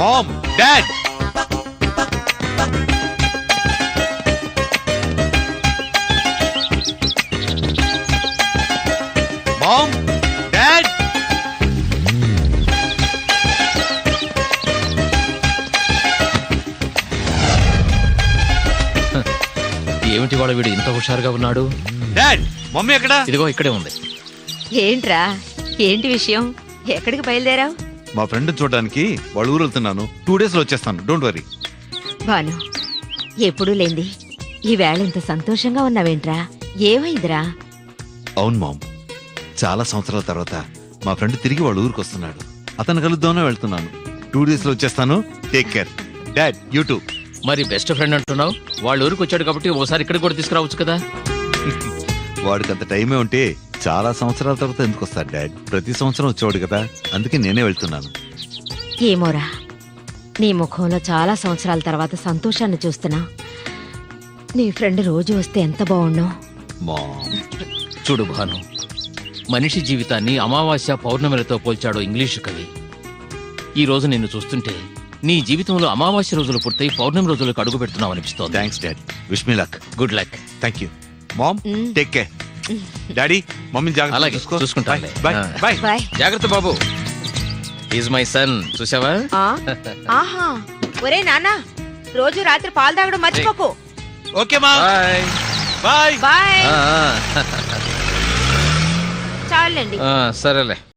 Ma'am, dad. Ma'am, dad. ఏమిటి వాడు వీడు ఇంత హుషారుగా ఉన్నాడు? డాడ్, మమ్మీ ఎక్కడ? ఇదిగో ఇక్కడే ఉంది. ఏంట్రా, ఏంటి విషయం? ఎక్కడికి బయలుదేరావు? మా ఫ్రెండ్ చూడడానికి వాళ్ళ ఊరు వెళ్తున్నాను. 2 days లో వచ్చేస్తాను. Don't worry. భాను, ఎప్పుడూ లేంది ఈ వేళ ఇంత సంతోషంగా ఉన్నావేంట్రా? ఏమైందిరా? అవును మామ్, చాలా సంవత్సరాల తర్వాత మా ఫ్రెండ్ తిరిగి వాళ్ళ ఊరికి వస్తున్నాడు. అతను కలుద్దామనే వెళ్తున్నాను. 2 days లో వచ్చేస్తాను. Take care. Dad, you too. మరి బెస్ట్ ఫ్రెండ్ అంటున్నావు, వాళ్ళ ఊరికి వచ్చాడు కాబట్టి ఓసారి ఇక్కడ కూడా తీసుకురావచ్చు కదా. వాడికి అంత టైమే ఉంటే చాలా సంవత్సరాల తర్వాత ఎందుకు వస్తాడు డాడ్? ప్రతి సంవత్సరం వచ్చేవాడు కదా, అందుకే నేనే వెళ్తున్నాను. ఏమోరా, నీ ముఖంలో చాలా సంవత్సరాల తర్వాత సంతోషాన్ని చూస్తున్నా. నీ ఫ్రెండ్ రోజు వస్తే ఎంత బాగుండు. మామ్, చూడు భాను, మనిషి జీవితాన్ని అమావాస్య పౌర్ణమిలతో పోల్చాడు ఇంగ్లీషు కవి. ఈ రోజు నిన్ను చూస్తుంటే నీ జీవితంలో అమావాస్య రోజులు పూర్తయి పౌర్ణమి రోజులకు అడుగు పెడుతున్నావు అనిపిస్తోంది. Thanks dad. Wish me luck. Good luck. Thank you. Mom, take care. Daddy, మమ్మీని జాగ్రత్త అలాగే, చూసుకో. చూసుకుంటానులే. Bye bye. బాయ్. జాగ్రత్త బాబు. Is my son. చూసావా? ఆహా, ఒరే నాన్న, రోజు రాత్రి పాలు తాగడం మర్చిపోకు. ఓకే మా. బాయ్. బాయ్. బాయ్. చాలండి. సరేలే.